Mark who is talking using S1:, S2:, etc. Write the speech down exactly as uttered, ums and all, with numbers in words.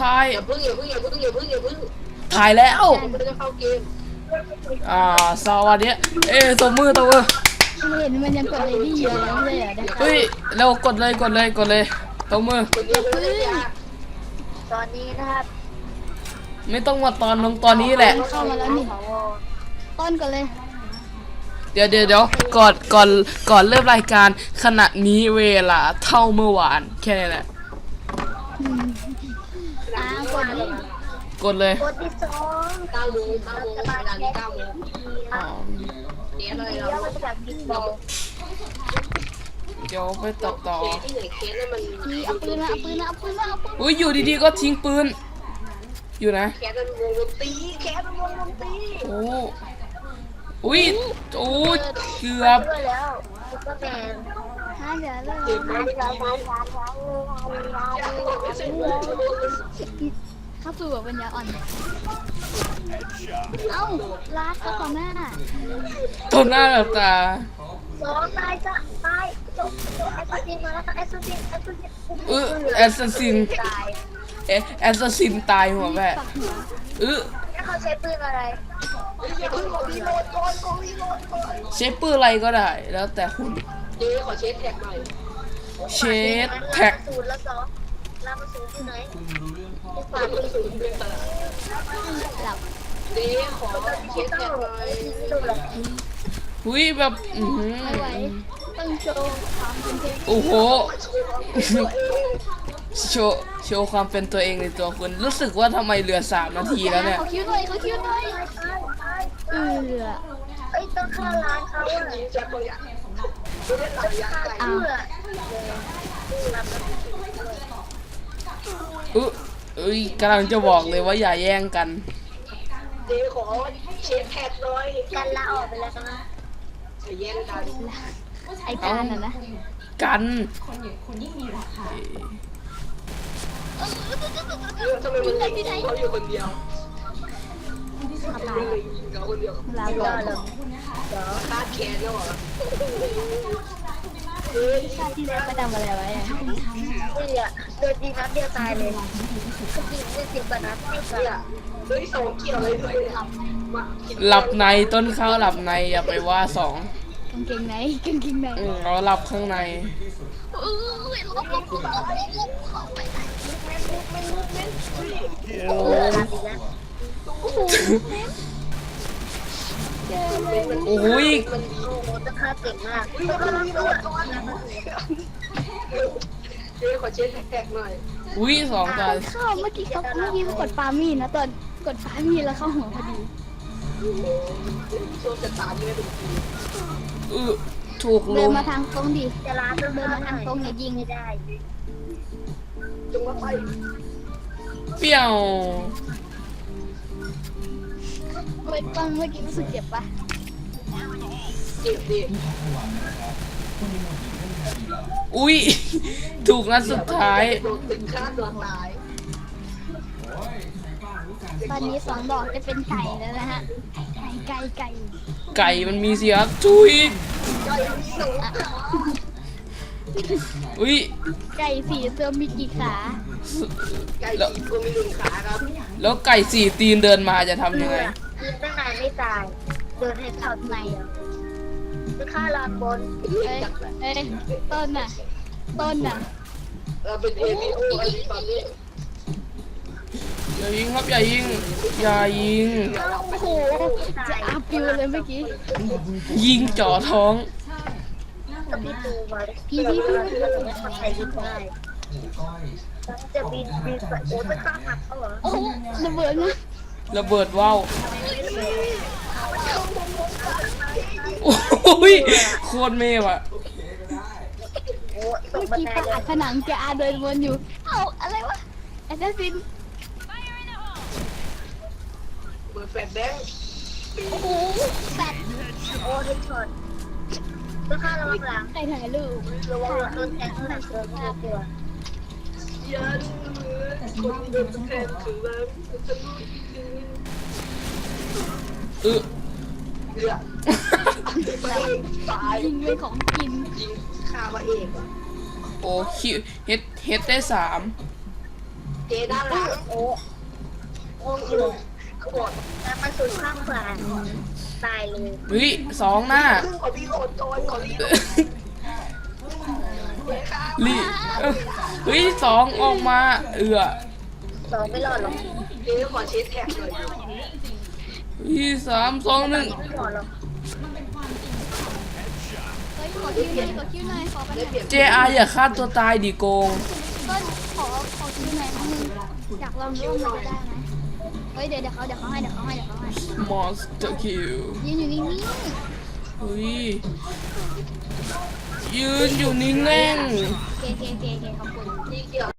S1: ถ่าย
S2: อย่าพึ่งอย่าพึ่งอย่าพึ่งอย่าพึ่งอย่าพึ่ง
S1: ถ่ายแล้ว
S2: มันจะเข้าเกม
S1: อ่าสวัสดีเอ้ตัวมือตัวมือ
S3: เห็นมันยังกดเลยดีอยู่แล้วเลยอ่ะ
S1: เฮ้ยเร็วกดเลยกดเลยกดเลยตัวมือ
S3: ตอนนี้นะครับ
S1: ไม่ต้องมาตอนลงตอนนี้แหละ
S3: เข้ามาแล้วนี่ต้นก่อนเลย
S1: เดี๋ยวเดี๋ยวเดี๋ยวก่อนก่อนก่อนเริ่มรายการขณะนี้เวลาเท่าเมื่อวานแค่นี้แหละ
S3: อ่ากดเลย
S1: กดเลย
S3: กดที่สอง
S2: เก้าโมงเก้าโมงเวลานี้เก้าโมงเดี๋ยวเลยเรา
S1: เดี๋ยวไปตัดต่อ
S2: ที่ไหนเคสนั่นมัน
S3: เอาปืนมาเอาปืนมาเอาปืนมาเอาปืน
S1: อุ้ยอยู่ดีๆก็ทิ้งปืนอยู่นะ
S2: แคสมันวงดนตรีแคสมันวงดนตรี
S1: โอ้อุ้ยโอ้เกือบ
S3: แล้วซุปเปอร์แมนฮะเดี๋ยวเลยเข้าสู่แบบปัญญาอ่อนเอ้าลาดเข้าต่อหน้า
S1: ต่อหน้าแบบตา
S3: สองตายจะตายจบแอสซัสซินมาแล้วแอสซัสซินแอสซัสซิน
S1: เออแอสซัสซินเอ๊ะแอสซัสซินตายหัวแม่เออ
S3: เขาใช้ปืนอะไร
S1: ใช้ปืนอะไรก็ได้แล้วแต่คุณ
S2: เจ๊ขอเช็ดแท็กหน่อย
S1: เชดแท็ก
S3: ศูนย์แล้วสองลามาศูนย์ที่ไหน
S2: ฝากศูนย์ด้วยค่ะ
S3: หลับ
S2: เจ๊ขอเช็ดแท็กหน่อย
S1: หุ้ยแบบอือ
S3: ไม่ไหวต้องโชว์ความเป็นเทพ
S1: โอ้โหโชว์โชว์ความเป็นตัวเองในตัวคุณรู้สึกว่าทำไมเหลือสามนาทีแล้วเนี่ย
S3: เขาคิ้วหน่อยเขาคิ้วหน่อยเออไอ้ต้องฆ่าร้านเขาอ่ะเอา
S1: เออเอ้ยกำลังจะบอกเลยว่าอย่าแย่งกัน
S2: เจ๊ขอเช็ดแท็กหน่อย
S3: กันละออกไปแล้วนะ
S2: แย่งกัน
S3: ไอ้การน่ะนะ
S1: กัน
S2: คนยิ่งมีราคาทำไมมันยิงเขาอยู่คนเดียวเขาคนเดียว
S3: ลาก่อนเลย
S2: คาดแขนแล้วเหรอ
S3: ชาติที่แล้วไปทำอะไรไว้อะเนี่ยโดนยิงนัดเดียวตายเลยก็ยิงได้สิบกว่านัดไม่ตาย
S2: เฮ้ยสองเกี่ยวเลยด้วย
S1: หลับในต้นข้าวหลับในอย่าไปว่าสอง
S3: กางเกงไหนกางเกงไหน
S1: อืมเราหลับข้างใน
S3: เออลบลบลบลบเข้าไปไหนโอ้
S1: โอ้ย
S3: จะฆ่าเก่งมาก
S2: เจ๊ขอเช็ดแท็กหน่อย
S1: อุ้ยสองจาน
S3: เข้าเมื่อกี้เขาเมื่อกี้เขากดปามีนะตอนกดปามีแล้วเข้าหัวพอดี
S2: ช่วงจะตามไม่เป็นที
S1: เออถูกลง
S3: เดินมาทางตรงดิจะลาเดินมาทางตรงอย่ายิงไม่ได้
S2: จงมาไป
S1: เปี้ยว
S3: เมื่อตอนเมื่อกี้รู้สึกเจ็บปะ
S2: เจ็บดิ
S1: อุ้ยถูกนัดสุดท้าย
S2: ถึงฆ่าตัวตาย
S3: ตอนนี้สองดอกจะเป็นไก่แล้วนะฮะไก่ไก่ไก่
S1: ไก่มันมีเสียทุยอุ้ย
S3: ไก่สี่ตัวมีกี่ขา
S2: ไก่สี่ตัวมีหนึ่งขาครับ
S1: แล้วไก่สี่ตีนเดินมาจะทำยังไง
S3: กินตั้งนานไม่ตายเดินให้เข้าในจะฆ่าลานบนเอ้ยเอ้ยต้นน่ะต้นน่ะ
S2: เราเป็นเอวีโออันนี้ตอนนี้
S1: อย่ายิงครับอย่ายิงอย่ายิง
S3: โอ้โหจะอาปิวเลยเมื่อกี้
S1: ยิงจ่อท้อง
S3: พี่ตูมาพี่พี่พี่พี่คนไทยยิงได้จะบินบินไปโอ้จะฆ่าหักเขาเหรอโอ้ระเบิดนะ
S1: ระเบิดว้าวโอ้ยโคตรเมย์ว่ะ
S3: เมื่อกี้ปาดผนังแกอาเดินวนอยู่เอ้าอะไรวะแอสซัสซิน
S2: เปิดแฟลชแบงค์
S3: โอ้โหแฟลชโอ้เฮดช็อตต้องฆ่าระวังหลังใครถ่ายรูประวังโดนแทงข้างหลังเกินห้าตัว
S2: ยันคนโดนแทงถึงแล้วจะรู้
S1: เออ
S2: เดือดตาย
S3: ยิงด้วยของกิน
S2: ยิงฆ่ามาเอง
S1: โอ้คิวเฮ็ดเฮ็ดได้สาม
S2: เจด้านหลัง
S3: โอ้โอ้อยู่ขวดแล้วมาสุดข้างขวาตายเลย
S1: เฮ้ยสองหน้า
S2: ครึ่งของพี่โคตรจอยของพี่เจค่ะ
S1: ลีเฮ้ยสองออกมาเอือ
S3: สองไม่รอดหรอก
S2: เจขอเช็ดแท็กหน่อย
S1: เฮ้ยสามสองหนึ่ง
S3: ไม่รอดหรอก
S4: เฮ้ยขอคิวหน่อยขอคิวหน่อยขอไปหน่อย
S1: เจอาอย่าฆ่าตัวตายดิโกง
S4: ต้นขอขอคิวหน่อยครั้งนึงอยากลองดูว่ามันจะได้ไหมเฮ้ยเดี๋ยวเดี๋ยวเขาเดี๋ยวเขาให้เดี๋ยวเขาให้เดี๋ยวเขาให้
S1: มอนสเตอร์คิว
S4: ยืนอยู่นิ่ง
S1: เฮ้ยยืนอยู่นิ่งแน่ง
S4: ๆเคเคเคเคขอบคุณ
S2: พี่เกี่ยว